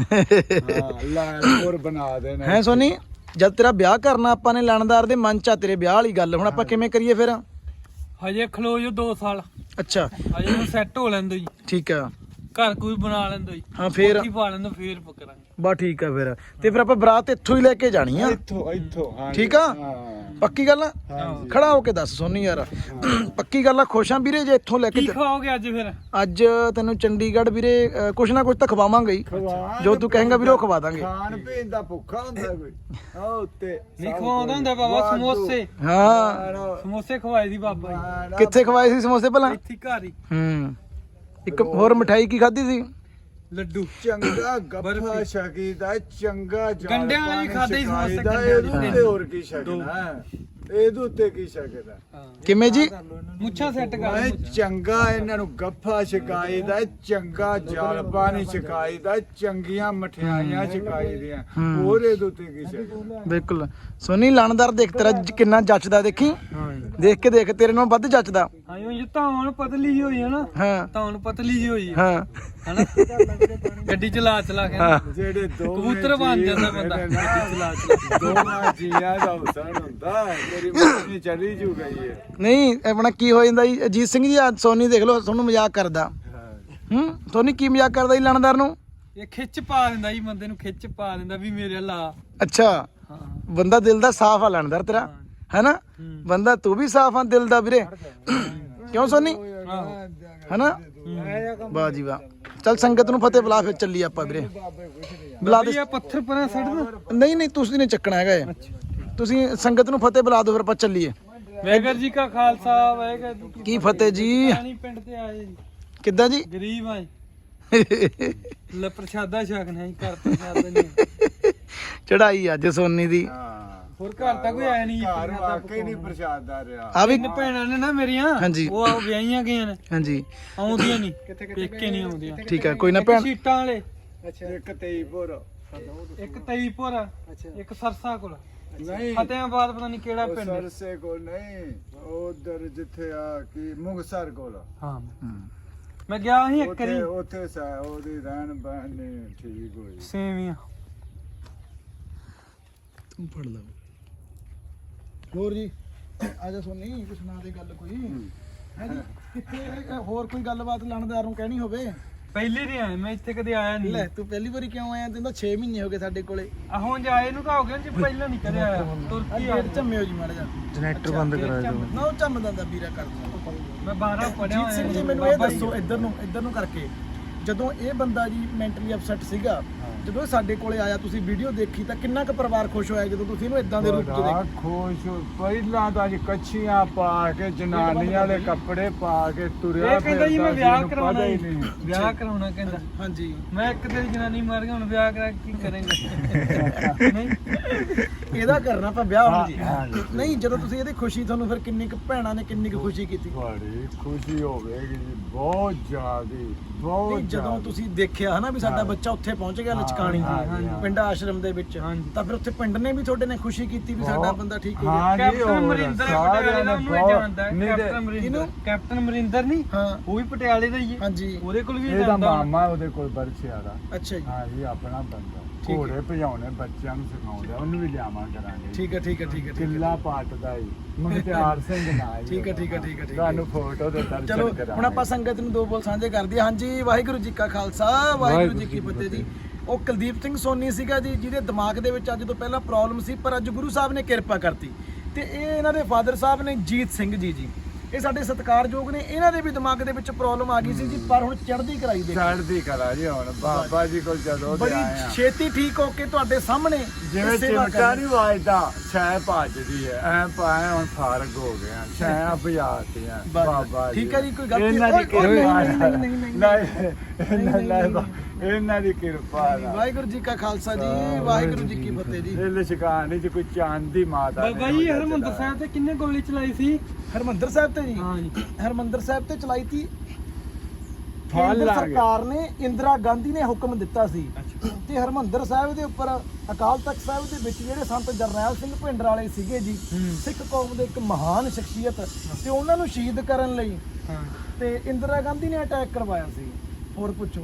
ਹਾਂ ਲਾਇਨਪੁਰ ਬਣਾ ਦੇਣਾ
ਹੈ ਸੋਨੀ। ਜਦ ਤੇਰਾ ਵਿਆਹ ਕਰਨਾ ਆਪਾਂ ਨੇ ਲਾਣੇਦਾਰ ਦੇ ਮਨ 'ਚ ਆ ਤੇਰੇ ਵਿਆਹ ਵਾਲੀ ਗੱਲ। ਹੁਣ ਆਪਾਂ ਕਿਵੇਂ ਕਰੀਏ ਫਿਰ?
ਹਜੇ ਖਲੋ ਜੋ ਦੋ ਸਾਲ
ਅੱਛਾ
ਹਜੇ ਨੂੰ ਸੈੱਟ ਹੋ ਲੈਂਦੋ ਜੀ।
ਠੀਕ ਆ
ਘਰ ਕੋਈ ਬਣਾ ਲੈਂਦੋ ਜੀ।
ਹਾਂ ਫੇਰ
ਕੋਠੀ ਪਾ ਲੈਂਦੋ ਫੇਰ ਪਕੜਾਂਗੇ।
ਬਾ ਠੀਕ ਆ ਫਿਰ ਤੇ ਫਿਰ ਆਪਾਂ ਬਰਾਤ ਇੱਥੋਂ ਹੀ ਲੈ ਕੇ ਜਾਣੀ ਆ।
ਇੱਥੋਂ ਇੱਥੋਂ ਹਾਂ
ਠੀਕ ਆ ਪੱਕੀ ਗੱਲ ਆ? ਖੜਾ ਹੋ ਕੇ ਦੱਸ ਸੋਨੀ ਯਾਰ ਪੱਕੀ ਗੱਲ ਆ? ਖੁਸ਼ ਆ ਵੀਰੇ ਜੇ ਇੱਥੋਂ ਲੈ ਕੇ
ਕੀ ਖਵਾਓਗੇ ਅੱਜ ਫਿਰ?
ਅੱਜ ਤੈਨੂੰ ਚੰਡੀਗੜ੍ਹ ਵੀਰੇ ਅ, ਕੁਛ ਨਾ ਕੁਛ ਤਾਂ ਖਵਾਵਾਂਗੇ ਹੀ। ਜੋ ਤੂੰ ਕਹੇਂਗਾ ਵੀਰੇ ਉਹ ਖਵਾ ਦਾਂਗੇ।
ਖਾਣ ਪੀਣ ਦਾ ਭੁੱਖਾ ਹੁੰਦਾ ਕੋਈ ਆ ਉੱਤੇ
ਨਹੀਂ ਖਵਾਉਂਦਾ ਹੁੰਦਾ ਬਾਬਾ ਸਮੋਸੇ।
ਹਾਂ
ਸਮੋਸੇ ਖਵਾਏ ਦੀ ਬਾਬਾ ਜੀ।
ਕਿੱਥੇ ਖਵਾਏ ਸੀ ਸਮੋਸੇ ਭਲਾ?
ਇੱਥੇ ਘਰ ਹੀ।
ਹੂੰ ਇੱਕ ਹੋਰ ਮਠਾਈ ਕੀ ਖਾਧੀ ਸੀ?
ਲੱਡੂ।
ਚੰਗਾ ਗੱਫਾ ਸ਼ਕੀਦਾ ਚੰਗਾ ਜਾਲ
ਗੰਡਿਆਂ ਵਾਲੀ ਖਾਧੇ ਹੀ ਸਮੋਸੇ
ਸ਼ਕਾਈਦਾ,
ਗੰਡਿਆਂ
ਇਹਦੇ
ਵਾਲੀ।
ਉੱਤੇ ਹੋਰ ਕੀ ਸ਼ਕਨਾ ਇਹਦੇ ਉੱਤੇ ਕੀ ਸ਼ਕਦਾ?
ਕਿਵੇਂ ਜੀ?
ਮੁੱਛਾਂ ਸੈੱਟ ਕਰ
ਮੈਂ ਚੰਗਾ ਇਹਨਾਂ ਨੂੰ ਗੱਫਾ ਛਕਾਈਦਾ ਚੰਗਾ ਜਲ ਪਾਣੀ ਛਕਾਈਦਾ ਚੰਗੀਆਂ ਮਠਿਆਈਆਂ ਛਕਾਈਦੀਆਂ ਹੋਰ ਇਹਦੇ ਉੱਤੇ ਕੀ ਸ਼ਕਦਾ?
ਬਿਲਕੁਲ ਸੋਨੀ ਲਾਣੇਦਾਰ ਦੇਖ ਤੇਰਾ ਜ- ਕਿੰਨਾ ਜੱਚਦਾ ਦੇਖੀ। ਦੇਖ ਕੇ ਦੇਖ ਤੇਰੇ ਨਾਲੋਂ ਵੱਧ ਜੱਚਦਾ।
ਹਾਂ ਉਹ ਤਾਂ ਹੁਣ ਪਤਲੀ ਜੀ ਹੋਈ ਹੈ ਨਾ।
ਹਾਂ
ਤਾਂ ਹੁਣ ਪਤਲੀ ਜੀ ਹੋਈ ਹੈ
ਹਾਂ
ਹਨਾ। ਗੱਡੀ ਚਲਾ ਚਲਾ ਕੇ ਨਾ।
ਜਿਹੜੇ ਦੋ
ਕਬੂਤਰ ਬਣ ਜਾਂਦਾ ਬੰਦਾ ਗੱਡੀ ਚਲਾ ਚਲਾ।
ਦੋਵਾਂ ਜੀਆਂ ਦਾ ਹੁਸਨ ਹੁੰਦਾ ਤੇਰੀ ਮੰਮੀ ਚਲੀ ਜੂ ਗਈ ਹੈ।
ਨਹੀਂ ਆਪਣਾ ਕੀ ਹੋ ਜਾਂਦਾ ਜੀ ਅਜੀਤ ਸਿੰਘ ਜੀ ਅੱਜ ਸੋਨੀ ਦੇਖ ਲਓ ਤੁਹਾਨੂੰ ਮਜ਼ਾਕ ਕਰਦਾ। ਹੂੰ ਸੋਨੀ ਕੀ ਮਜ਼ਾਕ ਕਰਦਾ ਜੀ ਲਾਣੇਦਾਰ ਨੂੰ?
ਇਹ ਖਿੱਚ ਪਾ ਦਿੰਦਾ ਜੀ ਬੰਦੇ ਨੂੰ ਖਿੱਚ ਪਾ ਦਿੰਦਾ ਵੀ ਮੇਰੇ ਲਾ।
ਅੱਛਾ
ਹਾਂ
ਬੰਦਾ ਦਿਲ ਦਾ ਸਾਫ਼ ਆ ਲਾਣੇਦਾਰ ਤੇਰਾ ਹੈਨਾ। ਬੰਦਾ ਤੂੰ ਵੀ ਸਾਫ਼ ਆ ਦਿਲ ਦਾ ਵੀਰੇ। ਕਿਉਂ ਸੋਨੀ ਹੈਨਾ? ਵਾਹ ਜੀ ਵਾਹ। ਚੱਲ ਸੰਗਤ ਨੂੰ ਫਤਿਹ ਬੁਲਾ ਫਿਰ ਚੱਲੀ ਆਪਾਂ ਵੀਰੇ। ਬੁਲਾ ਦੇ।
ਇਹ ਪੱਥਰ ਪਰਾਂ ਛੱਡ ਦੋ।
ਨਹੀਂ ਨਹੀਂ ਤੁਸੀਂ ਨਹੀਂ ਚੱਕਣਾ ਹੈਗਾ ਇਹ। ਤੁਸੀਂ ਸੰਗਤ ਨੂੰ ਫਤਿਹ ਬੁਲਾ ਦਿਓ ਫਿਰ ਆਪਾਂ ਚੱਲੀਏ।
ਵਾਹਿਗੁਰੂ ਜੀ ਕਾ ਖਾਲਸਾ ਵਾਹਿਗੁਰੂ ਜੀ ਕੀ
ਕੀ ਫਤਿਹ ਜੀ।
ਫਤਿਹ। ਪਿੰਡ ਤੇ ਆਏ ਜੀ
ਕਿੱਦਾਂ ਜੀ?
ਗਰੀਬ ਆ ਜੀ। ਲੈ ਪ੍ਰਸ਼ਾਦਾ ਛਕਣਾ ਜੀ ਘਰ ਪ੍ਰਸ਼ਾਦਾ ਨਹੀਂ।
ਚੜਾਈ ਅੱਜ ਸੋਨੀ ਦੀ।
ਹੋਰ ਘਰ ਤਾਂ ਕੋਈ ਆਇਆ ਨਹੀਂ ਜੀ।
ਘਰ ਵਾਕਈ ਨਹੀਂ ਪ੍ਰਸ਼ਾਦਾ ਰਿਹਾ।
ਆ ਵੀ
ਤਿੰਨ ਭੈਣਾਂ ਨੇ ਨਾ ਮੇਰੀਆਂ
ਹਾਂਜੀ।
ਉਹ ਆ ਵਿਆਹੀਆਂ ਗਈਆਂ ਨੇ।
ਹਾਂਜੀ
ਆਉਂਦੀਆਂ ਨਹੀਂ ਪੇਕੇ ਨਹੀਂ ਆਉਂਦੀਆਂ।
ਠੀਕ ਹੈ ਕੋਈ ਨਾ
ਇੱਕ
ਭੈਣ।
ਸੀਟਾਂ ਵਾਲੇ
ਇੱਕ ਤੇਈਪੁਰ
ਇੱਕ ਤਈਪੁਰ ਇੱਕ ਸਰਸਾ ਕੋਲ
ਨਹੀਂ
ਫਤਿਆਬਾਦ ਪਤਾ ਨਹੀਂ ਕਿਹੜਾ
ਉਹ
ਪਿੰਡ।
ਸਰਸੇ ਕੋਲ ਨਹੀਂ ਉਧਰ ਜਿੱਥੇ ਆ ਕੀ ਮੁਗਸਰ ਕੋਲ
ਹਾਂ ਮੈਂ ਗਿਆ ਸੀ ਇੱਕ
ਉੱਥੇ
ਵਾਰੀ
ਉੱਥੇ ਸਾ ਉਹਦੀ ਰਹਿਣ ਬਹਿਣ ਨਹੀਂ ਠੀਕ ਹੋਈ।
ਸੇਵੀਆਂ।
ਤੂੰ ਫੜ ਲਾ ਹੋਰ ਜੀ ਆ ਜਾ ਸੋਨੀ ਕੁਛ ਸੁਣਾ ਦੇ ਗੱਲ ਕੋਈ ਹੈ ਜੀ। ਕਿੱਥੇ ਇਹ ਹੋਰ ਕੋਈ ਗੱਲਬਾਤ ਲਾਣੇਦਾਰ ਨੂੰ ਕਹਿਣੀ ਹੋਵੇ?
ਪਹਿਲੀ ਨਹੀਂ ਆਇਆ ਮੈਂ ਇੱਥੇ ਕਦੇ ਆਇਆ
ਲੈ
ਨਹੀਂ।
ਤੂੰ ਪਹਿਲੀ ਵਾਰੀ ਕਿਉਂ ਆਇਆ? ਤੈਨੂੰ ਤਾਂ ਛੇ ਮਹੀਨੇ ਹੋ ਗਏ ਸਾਡੇ ਕੋਲੇ।
ਆ ਹੁਣ ਜਾਏ ਨੂੰ ਕਾ ਹੋ ਗਿਆ ਜੀ ਪਹਿਲਾਂ ਨਹੀਂ ਕਦੇ ਆਇਆ। ਤੁਰਕੀ ਆ
ਗੇਟ ਝੰਮਿਓ ਜੀ ਮਾੜਾ ਜਾ।
ਜਨਰੇਟਰ ਬੰਦ ਕਰਾ ਦਿਓ।
ਨਾ ਉਹ ਝੰਮਦਾ ਦਾ ਵੀਰਾ ਕਰ ਦਿੰਦਾ।
ਮੈਂ ਬਾਰਾਂ ਪੜਿਆ
ਜੀਤ ਸਿੰਘ ਜੀ ਮੈਨੂੰ ਇਹ ਦੱਸੋ ਇੱਧਰ ਨੂੰ ਇੱਧਰ ਨੂੰ ਕਰਕੇ ਜਦੋਂ ਇਹ ਬੰਦਾ ਜੀ ਮੈਂਟਲੀ ਅਪਸੈਟ ਸੀਗਾ ਜਦੋਂ ਇਹ ਸਾਡੇ ਕੋਲੇ ਆਇਆ ਤੁਸੀਂ ਵੀਡੀਓ ਦੇਖੀ ਤਾਂ ਕਿੰਨਾ ਕੁ ਪਰਿਵਾਰ ਖੁਸ਼ ਹੋਇਆ ਜਦੋਂ ਤੁਸੀਂ ਇਹਨੂੰ ਇਦਾਂ ਦੇ ਰੂਪ 'ਚ
ਬੜਾ
ਦੇਖਿਆ?
ਖੁਸ਼ ਹੋ- ਪਹਿਲਾਂ ਤਾਂ ਅੱਜ ਕੱਛੀਆਂ ਪਾ ਕੇ ਜਨਾਨੀ ਵਾਲੇ ਕੱਪੜੇ ਪਾ ਕੇ ਤੁਰਿਆ
ਇਹ ਕਹਿੰਦਾ ਜੀ ਮੈਂ
ਫਿਰਦਾ ਸੀ,
ਵਿਆਹ
ਇਹਨੂੰ
ਕਰਾਉਣਾ
ਪਤਾ ਹੀ
ਜੀ।
ਨਹੀਂ।
ਵਿਆਹ ਕਰਾਉਣਾ ਕਹਿੰਦਾ।
ਹਾਂਜੀ
ਮੈਂ ਇੱਕ ਤੇਰੀ ਜਨਾਨੀ ਮਾਰ ਗਿਆ ਹੁਣ ਵਿਆਹ ਕਰਾ ਕੇ ਕੀ ਕਰੇਂਗਾ? ਨਹੀਂ
ਇਹਦਾ ਕਰਨਾ ਆਪਾਂ ਵਿਆਹ ਹੁਣ ਜੀ।
ਹਾਂ, ਹਾਂ।
ਨਹੀਂ ਜਦੋਂ ਤੁਸੀਂ ਇਹਦੀ ਖੁਸ਼ੀ ਤੁਹਾਨੂੰ ਫਿਰ ਕਿੰਨੀ ਕੁ ਭੈਣਾਂ ਨੇ ਕਿੰਨੀ ਕੁ ਖੁਸ਼ੀ ਕੀਤੀ?
ਬੜੀ ਖੁਸ਼ੀ ਹੋਵੇਗੀ ਜੀ ਬਹੁਤ ਜ਼ਿਆਦੀ ਬਹੁਤ
ਨਹੀਂ ਜਦੋਂ
ਜ਼ਿਆਦੀ।
ਤੁਸੀਂ ਦੇਖਿਆ ਹਨਾ ਵੀ ਸਾਡਾ
ਹਾਂ।
ਬੱਚਾ ਉੱਥੇ ਪਹੁੰਚ ਗਿਆ ਲਚਕਾਣੀ
ਹਾਂ, ਹਾਂ, ਹਾਂ।
ਪਿੰਡ ਆਸ਼ਰਮ ਦੇ ਵਿੱਚ
ਹਾਂਜੀ।
ਤਾਂ ਫਿਰ ਉੱਥੇ ਪਿੰਡ ਨੇ ਵੀ ਤੁਹਾਡੇ ਨੇ ਖੁਸ਼ੀ ਕੀਤੀ ਵੀ ਸਾਡਾ
ਬਹੁਤ।
ਬੰਦਾ ਠੀਕ ਹੋ ਗਿਆ।
ਹਾਂ ਜੀ
ਕੈਪਟਨ
ਹੋਰ
ਅਮਰਿੰਦਰ
ਸਾਰਿਆਂ
ਪਟਿਆਲੇ ਦਾ
ਨੇ
ਉਹਨੂੰ
ਬਹੁਤ-
ਜਾਣਦਾ ਹੈ।
ਨਹੀਂ ਤੇ-
ਕੈਪਟਨ ਅਮਰਿੰਦਰ
ਇਹਨੂੰ?
ਕੈਪਟਨ ਅਮਰਿੰਦਰ ਨਹੀਂ
ਹਾਂ
ਉਹ ਵੀ ਪਟਿਆਲੇ ਦਾ ਹੀ ਹੈ।
ਹਾਂਜੀ
ਉਹਦੇ ਕੋਲ ਵੀ
ਇਹਦਾ
ਜਾਂਦਾ
ਮਾਮਾ ਉਹਦੇ ਕੋਲ ਬਰਛਿਆ ਦਾ
ਅੱਛਾ ਜੀ
ਹਾਂ ਜੀ ਆਪਣਾ ਬੰਦਾ
ਹੈ।
ਘੋੜੇ ਭਜਾਉਣੇ ਬੱਚਿਆਂ ਨੂੰ ਸਿਖਾਉਂਦਾ ਉਹਨੂੰ ਵੀ ਲਿਆਵਾਂ ਕਰਾਂਗੇ
ਠੀਕ ਹੈ ਠੀਕ ਹੈ ਠੀਕ ਹੈ ਠੀਕ ਹੈ
ਕਿੱਲਾ ਪਾਟਦਾ ਹੀ ਮੁਖਤਿਆਰ ਸਿੰਘ ਨਾਲ
ਠੀਕ ਹੈ ਠੀਕ ਹੈ ਠੀਕ ਹੈ ਠੀਕ ਹੈ
ਤੁਹਾਨੂੰ ਫੋਟੋ ਦੇ ਦਰਸ਼ਨ
ਚਲੋ
ਕਰਾਂਗੇ।
ਹੁਣ ਆਪਾਂ ਸੰਗਤ ਨੂੰ ਦੋ ਬੋਲ ਸਾਂਝੇ ਕਰਦੇ ਹਾਂ। ਹਾਂਜੀ ਵਾਹਿਗੁਰੂ ਜੀ ਕਾ ਖਾਲਸਾ ਵਾਹਿਗੁਰੂ ਜੀ ਕੀ ਫਤਿਹ ਜੀ। ਉਹ ਕੁਲਦੀਪ ਸਿੰਘ ਸੋਨੀ ਸੀਗਾ ਜੀ, ਜਿਹਦੇ ਦਿਮਾਗ ਦੇ ਵਿੱਚ ਅੱਜ ਤੋਂ ਪਹਿਲਾਂ ਪ੍ਰੋਬਲਮ ਸੀ, ਪਰ ਅੱਜ ਗੁਰੂ ਸਾਹਿਬ ਨੇ ਕਿਰਪਾ ਕਰਤੀ। ਤੇ ਇਹ ਇਹਨਾਂ ਦੇ ਫਾਦਰ ਸਾਹਿਬ ਨੇ ਜੀਤ ਸਿੰਘ ਜੀ ਜੀ ਇਹ ਸਾਡੇ ਸਤਿਕਾਰਯੋਗ ਨੇ। ਇਹਨਾਂ ਦੇ ਵੀ ਦਿਮਾਗ ਦੇ ਵਿੱਚ ਪ੍ਰੋਬਲਮ ਆ ਗਈ ਸੀ ਜੀ, ਪਰ ਹੁਣ ਚੜ੍ਹਦੀ ਕਰਾਈ ਦੇ
ਚੜ੍ਹਦੀ ਕਰਾ ਜੀ ਹੁਣ ਬਾਬਾ ਜੀ ਕੋਲ ਜਦੋਂ ਦੇ
ਬੜੀ
ਆਏ ਆ
ਛੇਤੀ ਠੀਕ ਹੋ ਕੇ ਤੁਹਾਡੇ ਸਾਹਮਣੇ
ਜਿਵੇਂ
ਸੇਵਾ
ਚਿਮਟਾ
ਕਰਨੀ।
ਨਹੀਂ ਵਾਜਦਾ ਛੈ ਭੱਜਦੀ ਹੈ ਐ ਪਾਏ ਹੁਣ ਫਰਕ ਹੋ ਗਿਆ ਛੈ ਭਜਾਤੀਆਂ ਬਾਬਾ ਜੀ
ਠੀਕ ਹੈ ਜੀ, ਕੋਈ ਗਲਤੀ
ਇਹਨਾਂ ਦੀ
ਓਏ, ਓਏ,
ਕਿਰਪਾ
ਨਹੀਂ, ਨਹੀਂ, ਨਹੀਂ, ਨਹੀਂ,
ਨਹੀਂ ਇਹਨਾਂ ਨਾਲ ਇਹਨਾਂ ਦੀ ਕਿਰਪਾ ਨਾਲ
ਵਾਹਿਗੁਰੂ ਜੀ ਕਾ ਖਾਲਸਾ ਜੀ, ਵਾਹਿਗੁਰੂ ਜੀ ਕੀ ਫਤਿਹ ਜੀ।
ਇਹ ਲਸ਼ਕਾਨੀ ਚ ਕੋਈ ਚਾਂਦੀ ਮਾਤਾ ਨੇ
ਬਾਬਾ ਜੀ ਹਰਮੰਦਰ ਸਾਹਿਬ ਤੇ ਕਿੰਨੇ ਗੋਲੀ ਚਲਾਈ ਸੀ?
ਹਰਮੰਦਰ ਸਾਹਿਬ ਤੇ ਜੀ
ਹਾਂ ਜੀ।
ਹਰਮੰਦਰ ਸਾਹਿਬ ਤੇ ਚਲਾਈ ਤੀ
ਫਲ
ਕੇਂਦਰ
ਲਾ ਗਏ।
ਸਰਕਾਰ ਨੇ, ਇੰਦਰਾ ਗਾਂਧੀ ਨੇ ਹੁਕਮ ਦਿੱਤਾ ਸੀ ਤੇ ਹਰਮੰਦਰ ਸਾਹਿਬ ਦੇ ਉੱਪਰ ਅਕਾਲ ਤਖਤ ਸਾਹਿਬ ਦੇ ਵਿੱਚ ਜਿਹੜੇ ਸੰਤ ਜਰਨੈਲ ਸਿੰਘ ਭਿੰਡਰ ਵਾਲੇ ਸੀਗੇ ਜੀ, ਸਿੱਖ ਕੌਮ ਦੇ ਇੱਕ ਮਹਾਨ ਸ਼ਖਸੀਅਤ, ਤੇ ਉਹਨਾਂ ਨੂੰ ਸ਼ਹੀਦ ਕਰਨ ਲਈ
ਹਾਂ
ਤੇ ਇੰਦਰਾ ਗਾਂਧੀ ਨੇ ਅਟੈਕ ਕਰਵਾਇਆ ਸੀ। ਹੋਰ ਪੁੱਛੋ।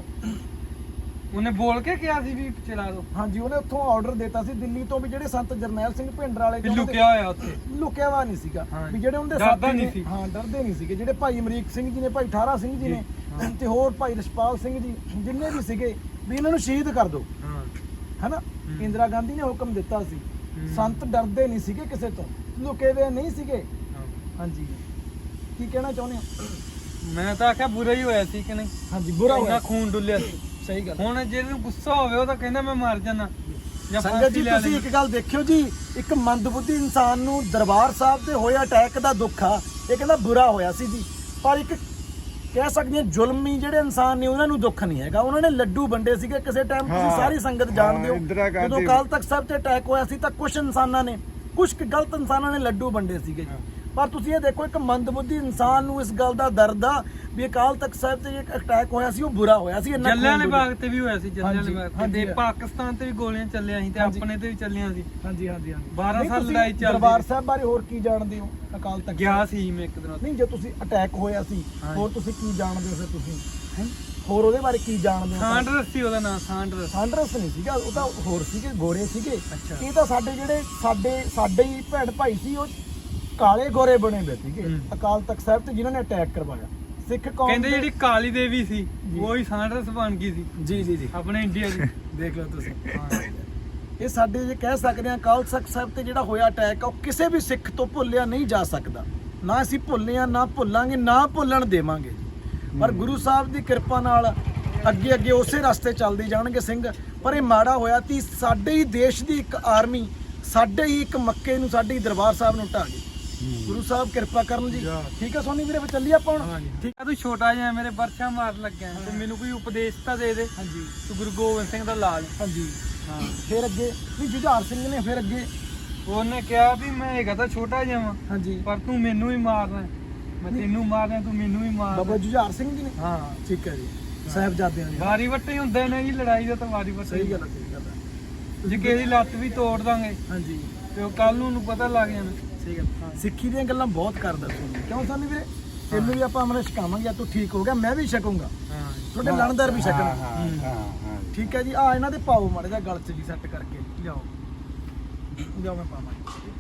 ਉਹਨੇ ਬੋਲ ਕੇ ਕਿਹਾ ਸੀ ਵੀ ਚਲਾ ਦੋ?
ਹਾਂਜੀ, ਉਹਨੇ ਉੱਥੋਂ ਆਰਡਰ ਦਿੱਤਾ ਸੀ ਦਿੱਲੀ ਤੋਂ ਵੀ ਜਿਹੜੇ ਸੰਤ ਜਰਨੈਲ ਸਿੰਘ ਭਿੰਡਰ ਵਾਲੇ
ਵੀ ਲੁਕਿਆ ਹੋਇਆ ਉੱਥੇ।
ਲੁਕਿਆ ਵਾ ਨਹੀਂ ਸੀਗਾ
ਹਾਂ।
ਵੀ ਜਿਹੜੇ ਉਹਦੇ
ਡਰਦਾ
ਸਾਥੀ
ਨਹੀਂ
ਨੇ,
ਸੀ।
ਹਾਂ ਡਰਦੇ ਨਹੀਂ ਸੀਗੇ, ਜਿਹੜੇ ਭਾਈ ਅਮਰੀਕ ਸਿੰਘ ਜੀ ਨੇ, ਭਾਈ ਠਾਰਾ ਸਿੰਘ ਜੀ ਨੇ ਤੇ ਹੋਰ ਭਾਈ ਰਸ਼ਪਾਲ ਸਿੰਘ ਜੀ, ਜਿੰਨੇ ਵੀ ਸੀਗੇ ਵੀ ਇਹਨਾਂ ਨੂੰ ਸ਼ਹੀਦ ਕਰ ਦਿਓ,
ਹਾਂ
ਹੈਨਾ। ਇੰਦਰਾ ਗਾਂਧੀ ਨੇ ਹੁਕਮ ਦਿੱਤਾ ਸੀ। ਸੰਤ ਡਰਦੇ ਨਹੀਂ ਸੀਗੇ ਕਿਸੇ ਤੋਂ, ਲੁਕੇ ਹੋਏ ਨਹੀਂ ਸੀਗੇ। ਹਾਂਜੀ, ਕੀ ਕਹਿਣਾ ਚਾਹੁੰਦੇ ਹੋ?
ਮੈਂ ਤਾਂ ਆਖਿਆ ਬੁਰਾ ਹੀ ਹੋਇਆ ਸੀ ਕਿ ਨਹੀਂ?
ਹਾਂਜੀ, ਬੁਰਾ
ਉਹਦਾ
ਹੋਇਆ,
ਖੂਨ ਡੁੱਲਿਆ ਸੀ।
ਸਹੀ ਗੱਲ।
ਹੁਣ ਜਿਹਨੂੰ ਗੁੱਸਾ ਹੋਵੇ ਉਹ ਤਾਂ ਕਹਿੰਦਾ ਮੈਂ ਮਰ ਜਾਣਾ ਜਾਂ
ਸੰਗਤ
ਫਾਂਸੀ
ਜੀ,
ਲੈ
ਤੁਸੀਂ
ਲਈ।
ਇੱਕ ਗੱਲ ਦੇਖਿਓ ਜੀ, ਇੱਕ ਮੰਦਬੁੱਧੀ ਇਨਸਾਨ ਨੂੰ ਦਰਬਾਰ ਸਾਹਿਬ ਤੇ ਹੋਇਆ ਅਟੈਕ ਦਾ ਦੁੱਖ ਆ, ਇਹ ਕਹਿੰਦਾ ਬੁਰਾ ਹੋਇਆ ਸੀ ਜੀ। ਪਰ ਇੱਕ ਕਹਿ ਸਕਦੇ ਹਾਂ ਜ਼ੁਲਮੀ ਜਿਹੜੇ ਇਨਸਾਨ ਨੇ ਉਹਨਾਂ ਨੂੰ ਦੁੱਖ ਨਹੀਂ ਹੈਗਾ। ਉਹਨਾਂ ਨੇ ਲੱਡੂ ਵੰਡੇ ਸੀਗੇ ਕਿਸੇ ਟਾਈਮ, ਤੁਸੀਂ
ਹਾਂ,
ਸਾਰੀ ਸੰਗਤ ਜਾਣਦੇ
ਹਾਂ, ਇੰਦਰਾ
ਹੋ।
ਗਾਂਧੀ-
ਜਦੋਂ ਅਕਾਲ ਤਖਤ ਸਾਹਿਬ ਤੇ ਅਟੈਕ ਹੋਇਆ ਸੀ ਤਾਂ ਕੁਝ ਇਨਸਾਨਾਂ ਨੇ, ਕੁਝ ਗਲਤ ਇਨਸਾਨਾਂ ਨੇ ਲੱਡੂ ਵੰਡੇ ਸੀਗੇ ਜੀ। ਪਰ ਤੁਸੀਂ ਇਹ ਦੇਖੋ, ਇੱਕ ਮੰਦਬੁੱਧੀ ਇਨਸਾਨ ਨੂੰ ਇਸ ਗੱਲ ਦਾ ਦਰਦ ਆ ਵੀ ਅਕਾਲ ਤਖਤ ਸਾਹਿਬ ਤੇ ਇੱਕ ਅਟੈਕ ਹੋਇਆ ਸੀ, ਉਹ ਬੁਰਾ ਹੋਇਆ ਸੀ। ਇੰਨਾ
ਜੱਲਿਆਂ
ਖੂਨ
ਵਾਲੇ ਬਾਗ ਤੇ ਵੀ ਹੋਇਆ ਸੀ, ਜੱਲਿਆਂ ਵਾਲੇ
ਹਾਂਜੀ,
ਬਾਗ ਤੇ
ਹਾਂਜੀ।
ਤੇ ਪਾਕਿਸਤਾਨ ਤੇ ਵੀ ਗੋਲੀਆਂ ਚੱਲੀਆਂ ਸੀ ਤੇ
ਹਾਂਜੀ।
ਆਪਣੇ ਤੇ ਵੀ ਚੱਲੀਆਂ ਸੀ।
ਹਾਂਜੀ ਹਾਂਜੀ ਹਾਂਜੀ
ਬਾਰਾਂ
ਨਹੀਂ,
ਸਾਲ
ਤੁਸੀਂ
ਲੜਾਈ ਚੱਲਦੀ
ਦਰਬਾਰ
ਸੀ।
ਸਾਹਿਬ ਬਾਰੇ ਹੋਰ ਕੀ ਜਾਣਦੇ ਹੋ? ਅਕਾਲ ਤਖਤ
ਗਿਆ ਸੀ ਮੈਂ ਇੱਕ ਦਿਨ ਉੱਥੇ।
ਨਹੀਂ, ਜੇ ਤੁਸੀਂ ਅਟੈਕ ਹੋਇਆ ਸੀ,
ਹਾਂਜੀ।
ਹੋਰ ਤੁਸੀਂ ਕੀ ਜਾਣਦੇ ਹੋ ਫਿਰ? ਤੁਸੀਂ ਹੈਂ? ਹੋਰ ਉਹਦੇ ਬਾਰੇ ਕੀ ਜਾਣਦੇ ਹੋ?
ਸਾਂਡਰਸ ਸੀ ਉਹਦਾ ਨਾਮ, ਸਾਂਡਰਸ।
ਸਾਂਡਰਸ ਨਹੀਂ ਸੀਗਾ, ਉਹ ਤਾਂ ਹੋਰ ਸੀਗੇ, ਗੋਰੇ ਸੀਗੇ।
ਅੱਛਾ।
ਇਹ ਤਾਂ ਸਾਡੇ ਜਿਹੜੇ ਸਾਡੇ ਸਾਡੇ ਹੀ ਭੈਣ ਭਾਈ ਸੀ, ਉਹ ਕਾਲੇ ਗੋਰੇ ਬਣੇ ਹੋਏ ਸੀਗੇ
ਹੂੰ।
ਅਕਾਲ ਤਖਤ ਸਾਹਿਬ ਤੇ, ਜਿਨ੍ਹਾਂ ਨੇ ਅਟੈਕ ਕਰਵਾਇਆ ਸਿੱਖ ਕੌਮ
ਕਹਿੰਦੇ
ਦੇ-
ਜਿਹੜੀ ਕਾਲੀ ਦੇਵੀ ਸੀ ਉਹ ਹੀ ਸਾਂਡਰਸ ਬਣ ਗਈ ਸੀ
ਜੀ ਜੀ ਜੀ
ਆਪਣੇ ਇੰਡੀਆ ਦੀ।
ਦੇਖ ਲਓ ਤੁਸੀਂ। ਇਹ ਸਾਡੇ ਜੇ ਕਹਿ ਸਕਦੇ ਹਾਂ ਅਕਾਲ ਤਖਤ ਸਾਹਿਬ ਤੇ ਜਿਹੜਾ ਹੋਇਆ ਅਟੈਕ ਆ, ਉਹ ਕਿਸੇ ਵੀ ਸਿੱਖ ਤੋਂ ਭੁੱਲਿਆ ਨਹੀਂ ਜਾ ਸਕਦਾ। ਨਾ ਅਸੀਂ ਭੁੱਲੇ ਆ, ਨਾ ਭੁੱਲਾਂਗੇ, ਨਾ ਭੁੱਲਣ ਦੇਵਾਂਗੇ। ਪਰ ਗੁਰੂ ਸਾਹਿਬ ਦੀ ਕਿਰਪਾ ਨਾਲ ਅੱਗੇ ਅੱਗੇ ਉਸੇ ਰਸਤੇ ਚੱਲਦੇ ਜਾਣਗੇ ਸਿੰਘ। ਪਰ ਇਹ ਮਾੜਾ ਹੋਇਆ ਕਿ ਸਾਡੇ ਹੀ ਦੇਸ਼ ਦੀ ਇੱਕ ਆਰਮੀ, ਸਾਡੇ ਹੀ ਇੱਕ ਮੱਕੇ ਨੂੰ, ਸਾਡੇ ਹੀ ਦਰਬਾਰ ਸਾਹਿਬ ਨੂੰ ਢਾਹ ਗਈ। ਗੁਰੂ ਸਾਹਿਬ ਕਿਰਪਾ ਕਰਨ ਜੀ। ਠੀਕ ਹੈ ਸੋਨੀ ਵੀਰੇ, ਫਿਰ ਚੱਲੀਏ ਆਪਾਂ ਹੁਣ।
ਠੀਕ ਆ, ਤੂੰ ਛੋਟਾ ਜਿਹਾ ਮੇਰੇ ਵਰਛਾ ਮਾਰਨ ਲੱਗਿਆ ਤੇ ਮੈਨੂੰ ਕੋਈ ਉਪਦੇਸ਼ ਤਾਂ ਦੇ ਦੇ।
ਹਾਂਜੀ
ਤੂੰ ਗੁਰੂ ਗੋਬਿੰਦ ਸਿੰਘ ਦਾ ਲਾਲ।
ਹਾਂਜੀ
ਹਾਂ,
ਫਿਰ ਅੱਗੇ ਨਹੀਂ, ਜੁਝਾਰ ਸਿੰਘ ਨੇ ਫਿਰ ਅੱਗੇ
ਉਹਨੇ ਕਿਹਾ ਵੀ ਮੈਂ ਹੈਗਾ ਤਾਂ ਛੋਟਾ ਜਿਹਾ ਵਾਂ,
ਹਾਂਜੀ
ਪਰ ਤੂੰ ਮੈਨੂੰ ਹੀ ਮਾਰਨਾ, ਮੈਂ ਤੈਨੂੰ ਮਾਰਨਾ, ਤੂੰ ਮੈਨੂੰ ਹੀ
ਬਾਬਾ
ਮਾਰਨਾ।
ਜੁਝਾਰ ਸਿੰਘ ਜੀ ਨੇ।
ਹਾਂ,
ਠੀਕ ਹੈ ਜੀ, ਸਾਹਿਬਜ਼ਾਦਿਆਂ ਦੀ।
ਵਾਰੀ ਵੱਟੇ ਹੀ ਹੁੰਦੇ ਨੇ ਜੀ, ਲੜਾਈ ਦਾ ਤਾਂ ਵਾਰੀ ਵੱਟੇ।
ਸਹੀ ਗੱਲ ਹੈ, ਸਹੀ ਗੱਲ ਹੈ।
ਜੇ ਕਿਸੇ ਦੀ ਲੱਤ ਵੀ ਤੋੜ ਦਾਂਗੇ
ਹਾਂਜੀ,
ਤੇ ਉਹ ਕੱਲ ਨੂੰ ਨੂੰ ਪਤਾ ਲੱਗ ਜਾਣਾ।
ਸਹੀ ਗੱਲ। ਸਿੱਖੀ ਦੀਆਂ ਗੱਲਾਂ ਬਹੁਤ ਕਰਦਾ ਤੁਹਾਨੂੰ, ਕਿਉਂ ਸਾਨੂੰ ਵੀਰੇ? ਤੈਨੂੰ ਵੀ ਆਪਾਂ ਅਮਰ ਛਕਾਵਾਂਗੇ, ਤੂੰ ਠੀਕ ਹੋ ਗਿਆ, ਮੈਂ ਵੀ ਛਕੂੰਗਾ,
ਹਾਂ,
ਤੁਹਾਡੇ ਲਣਦਾਰ ਵੀ
ਹਾਂ
ਛਕਣ।
ਹਾਂ ਹਾਂ
ਠੀਕ ਹੈ ਜੀ। ਆ ਇਹਨਾਂ ਦੇ ਪਾਓ ਮਾੜੇ ਜਿਹਾ ਗਲ 'ਚ ਜੀ ਸੈੱਟ ਕਰਕੇ ਲਿਆਓ, ਲਿਆਓ, ਮੈਂ ਪਾਵਾਂ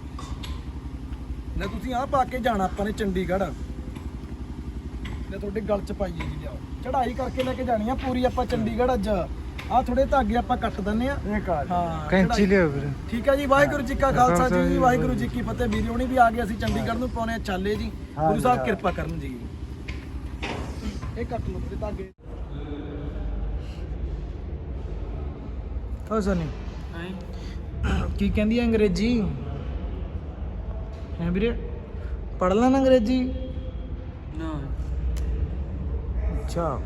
ਲੈ। ਤੁਸੀਂ ਆਹ ਪਾ ਕੇ ਜਾਣਾ ਆਪਾਂ ਨੇ ਚੰਡੀਗੜ੍ਹ, ਲੈ ਤੁਹਾਡੇ ਗਲ 'ਚ ਪਾਈਏ ਜੀ, ਲਿਆਓ। ਚੜ੍ਹਾਈ ਕਰਕੇ ਲੈ ਕੇ ਜਾਣੀ ਆ ਪੂਰੀ ਆਪਾਂ ਚੰਡੀਗੜ੍ਹ। ਅੱਜ ਆਹ ਥੋੜੇ ਧਾਗੇ ਆਪਾਂ ਕੱਟ ਦਿੰਨੇ ਆ।
ਇਹ ਕਰ
ਹਾਂ,
ਕੈਂਚੀ
ਚੜ੍ਹਾਈ-
ਲਿਓ ਵੀਰੇ।
ਠੀਕ ਹੈ ਜੀ। ਵਾਹਿਗੁਰੂ ਜੀ ਕਾ ਖਾਲਸਾ ਜੀ, ਵਾਹਿਗੁਰੂ ਜੀ ਕੀ ਫਤਿਹ। ਵੀਰੇ ਹੁਣੀ ਵੀ ਆ ਗਏ, ਅਸੀਂ ਚੰਡੀਗੜ੍ਹ ਨੂੰ ਪਾਉਣੇ ਆ ਚਾਲੇ ਜੀ। ਗੁਰੂ ਸਾਹਿਬ ਕਿਰਪਾ ਕਰਨ ਜੀ। ਇਹ ਕੱਟ ਲਓ ਤੇ ਧਾਗੇ। ਹੋ ਸਨੀ ਕੀ ਕਹਿੰਦੀ ਹੈ ਅੰਗਰੇਜ਼ੀ? ਹੈ ਵੀਰੇ, ਪੜ੍ਹ ਲੈਣਾ ਅੰਗਰੇਜ਼ੀ?
ਨਾ,
ਅੱਛਾ,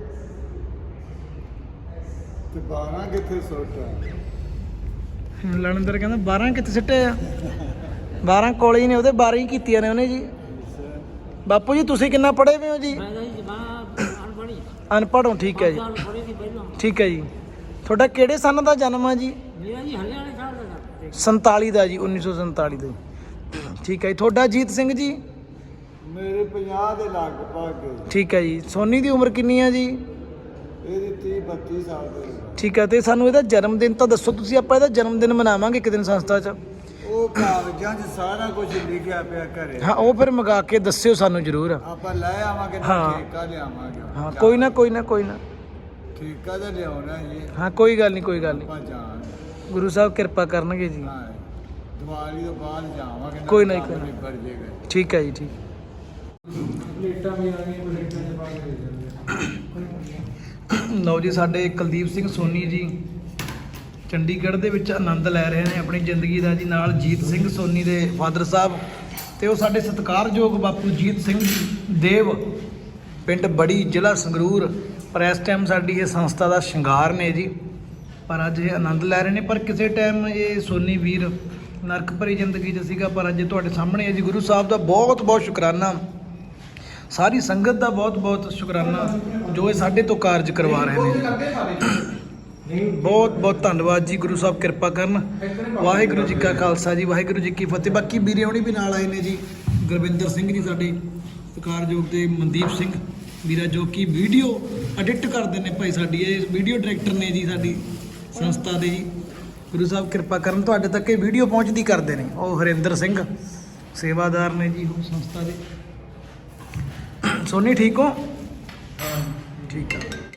ਤੇ ਬਾਰਾਂ ਕਿੱਥੇ ਸੁੱਟਾ?
ਲਣਦਰ ਕਹਿੰਦਾ ਬਾਰਾਂ ਕਿੱਥੇ ਸਿੱਟੇ ਆ? ਬਾਰਾਂ ਕੋਲੇ ਹੀ ਨੇ ਉਹਦੇ, ਬਾਰਾਂ ਹੀ ਕੀਤੀਆਂ ਨੇ ਉਹਨੇ ਜੀ। ਬਾਪੂ ਜੀ ਤੁਸੀਂ ਕਿੰਨਾ ਪੜ੍ਹੇ ਹੋਏ ਹੋ ਜੀ? ਅਨਪੜ੍ਹ ਹੋ, ਠੀਕ ਹੈ ਜੀ, ਠੀਕ ਹੈ ਜੀ। ਤੁਹਾਡਾ ਕਿਹੜੇ ਸੰਨ ਦਾ ਜਨਮ ਆ ਜੀ? ਸੰਤਾਲੀ ਦਾ ਜੀ, ਉੱਨੀ ਸੌ ਸੰਤਾਲੀ ਦਾ। ਠੀਕ ਹੈ ਜੀ। ਤੁਹਾਡਾ ਜੀਤ ਸਿੰਘ ਜੀ?
ਮੇਰੇ ਪੰਜਾਹ ਦੇ ਲਗਭਗ।
ਠੀਕ ਹੈ ਜੀ। ਸੋਨੀ ਦੀ ਉਮਰ ਕਿੰਨੀ ਆ ਜੀ?
ਇਹਦੀ ਤੀਹ ਬੱਤੀ ਸਾਲ ਦੇ।
ਠੀਕ ਹੈ। ਤੇ ਸਾਨੂੰ ਇਹਦਾ ਜਨਮ ਦਿਨ ਤਾਂ ਦੱਸੋ ਤੁਸੀਂ, ਆਪਾਂ ਇਹਦਾ ਜਨਮ ਦਿਨ ਮਨਾਵਾਂਗੇ ਇੱਕ ਦਿਨ ਸੰਸਥਾ 'ਚ।
ਉਹ ਕਾਗਜ਼ਾਂ 'ਚ ਸਾਰਾ ਕੁਝ ਲਿਖਿਆ ਪਿਆ ਘਰੇ।
ਹਾਂ, ਉਹ ਫਿਰ ਮੰਗਾ ਕੇ ਦੱਸਿਓ ਸਾਨੂੰ ਜ਼ਰੂਰ।
ਆਪਾਂ ਲੈ ਆਵਾਂਗੇ,
ਹਾਂ।
ਠੇਕਾ ਲਿਆਵਾਂਗੇ।
ਹਾਂ, ਕੋਈ ਨਾ ਕੋਈ ਨਾ ਕੋਈ ਨਾ।
ਠੇਕਾ ਤਾਂ ਲਿਆਉਣਾ ਜੀ
ਹਾਂ ਕੋਈ ਗੱਲ ਨਹੀਂ ਕੋਈ ਗੱਲ ਨਹੀਂ
ਆਪਾਂ ਜਾਣ
ਗੁਰੂ ਸਾਹਿਬ ਕਿਰਪਾ ਕਰਨਗੇ ਜੀ
ਹਾਂ ਦੀਵਾਲੀ ਤੋਂ ਬਾਅਦ ਜਾਵਾਂਗੇ
ਕੋਈ ਨਹੀਂ, ਕੋਈ ਨਹੀਂ।
ਨਿਬੜ ਜੇਗਾ
ਠੀਕ ਹੈ ਜੀ ਠੀਕ
ਪਲੇਟਾਂ ਵੀ ਆ ਗਈਆਂ ਪਲੇਟਾਂ ਦੇ ਪਾ ਕੇ ਦੇ ਜਾਂਦੇ
ਲਓ ਜੀ ਸਾਡੇ ਕੁਲਦੀਪ ਸਿੰਘ ਸੋਨੀ ਜੀ ਚੰਡੀਗੜ੍ਹ ਦੇ ਵਿੱਚ ਆਨੰਦ ਲੈ ਰਹੇ ਨੇ ਆਪਣੀ ਜ਼ਿੰਦਗੀ ਦਾ ਜੀ ਨਾਲ ਜੀਤ ਸਿੰਘ ਸੋਨੀ ਦੇ ਫਾਦਰ ਸਾਹਿਬ ਤੇ ਉਹ ਸਾਡੇ ਸਤਿਕਾਰਯੋਗ ਬਾਪੂ ਜੀਤ ਸਿੰਘ ਦੇਵ ਪਿੰਡ ਬੜੀ ਜ਼ਿਲ੍ਹਾ ਸੰਗਰੂਰ ਪਰ ਇਸ ਟਾਈਮ ਸਾਡੀ ਇਹ ਸੰਸਥਾ ਦਾ ਸ਼ਿੰਗਾਰ ਨੇ ਜੀ ਪਰ ਅੱਜ ਇਹ ਆਨੰਦ ਲੈ ਰਹੇ ਨੇ ਪਰ ਕਿਸੇ ਟਾਈਮ ਇਹ ਸੋਨੀ ਵੀਰ ਨਰਕ ਭਰੀ ਜ਼ਿੰਦਗੀ 'ਚ ਸੀਗਾ ਪਰ ਅੱਜ ਤੁਹਾਡੇ ਸਾਹਮਣੇ ਹੈ ਜੀ ਗੁਰੂ ਸਾਹਿਬ ਦਾ ਬਹੁਤ ਬਹੁਤ ਸ਼ੁਕਰਾਨਾ ਸਾਰੀ ਸੰਗਤ ਦਾ ਬਹੁਤ ਬਹੁਤ ਸ਼ੁਕਰਾਨਾ ਜੋ ਇਹ ਸਾਡੇ ਤੋਂ ਕਾਰਜ ਕਰਵਾ ਰਹੇ ਨੇ ਬਹੁਤ ਬਹੁਤ ਧੰਨਵਾਦ ਜੀ ਗੁਰੂ ਸਾਹਿਬ ਕਿਰਪਾ ਕਰਨ ਵਾਹਿਗੁਰੂ ਜੀ ਕਾ ਖਾਲਸਾ ਜੀ ਵਾਹਿਗੁਰੂ ਜੀ ਕੀ ਫਤਿਹ ਬਾਕੀ ਵੀਰੇ ਹੋਣੀ ਵੀ ਨਾਲ ਆਏ ਨੇ ਜੀ ਗੁਰਵਿੰਦਰ ਸਿੰਘ ਜੀ ਸਾਡੇ ਸਤਿਕਾਰਯੋਗ ਤੇ ਮਨਦੀਪ ਸਿੰਘ ਵੀਰਾ ਜੋ ਕਿ ਵੀਡੀਓ ਐਡਿਟ ਕਰਦੇ ਨੇ ਭਾਈ ਸਾਡੀ ਇਹ ਵੀਡੀਓ ਡਾਇਰੈਕਟਰ ਨੇ ਜੀ ਸਾਡੀ ਸੰਸਥਾ ਦੇ ਜੀ ਗੁਰੂ ਸਾਹਿਬ ਕਿਰਪਾ ਕਰਨ ਤੁਹਾਡੇ ਤੱਕ ਇਹ ਵੀਡੀਓ ਪਹੁੰਚਦੀ ਕਰਦੇ ਨੇ ਉਹ ਹਰਿੰਦਰ ਸਿੰਘ ਸੇਵਾਦਾਰ ਨੇ ਜੀ ਉਹ ਸੰਸਥਾ ਦੇ ਸੋਨੀ ਠੀਕ ਹੋ ਠੀਕ ਆ